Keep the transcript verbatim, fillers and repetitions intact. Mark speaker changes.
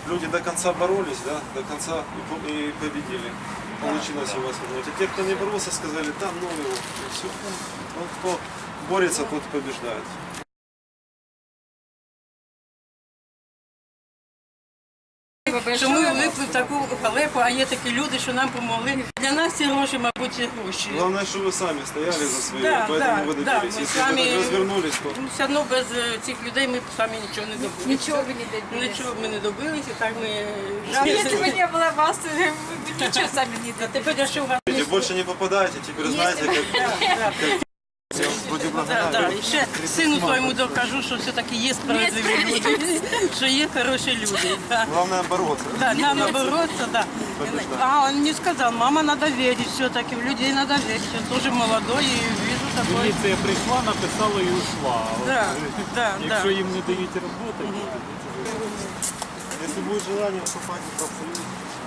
Speaker 1: люди до конца боролись, да, до конца и победили. Получилось его освободить. А те, кто не боролся, сказали, да, ну его, и все. Вот кто борется, тот побеждает.
Speaker 2: Що ми вникли в таку халепу, а є такі люди, що нам допомогли. Для нас ці гроші, мабуть, ці гроші.
Speaker 1: Главное, что вы сами стояли за свои,
Speaker 2: Да,
Speaker 1: поэтому
Speaker 2: да,
Speaker 1: вы
Speaker 2: да,
Speaker 1: добились.
Speaker 2: мы
Speaker 1: Если
Speaker 2: сами-
Speaker 1: бы так развернулись, то...
Speaker 2: Ну, все одно без е, цих людей ми б самі нічого не добилися.
Speaker 3: Нічого ви не добилися.
Speaker 2: Нічого б ми не добилися, так ми
Speaker 3: Если бы не было вас, вы бы ничего сами не
Speaker 2: А тепер я що в
Speaker 1: Видите, больше не попадаете, теперь знаете, как... Я вас вроде
Speaker 2: Да,
Speaker 1: благодарен.
Speaker 2: да. І ще сину своєму докажу, що все-таки є справедливі люди, що є хороші люди. Да.
Speaker 1: Главное бороться.
Speaker 2: Да, надо бороться, да. А он мне сказал, мама, надо верить все-таки, в людей надо верить. Он тоже молодой и вижу такой.
Speaker 4: Міліція прийшла, написала і ушла. А от,
Speaker 2: Да, да,
Speaker 4: якщо
Speaker 2: да.
Speaker 4: їм не дають роботи, то
Speaker 1: Если будет желание, вступайте в профсоюз.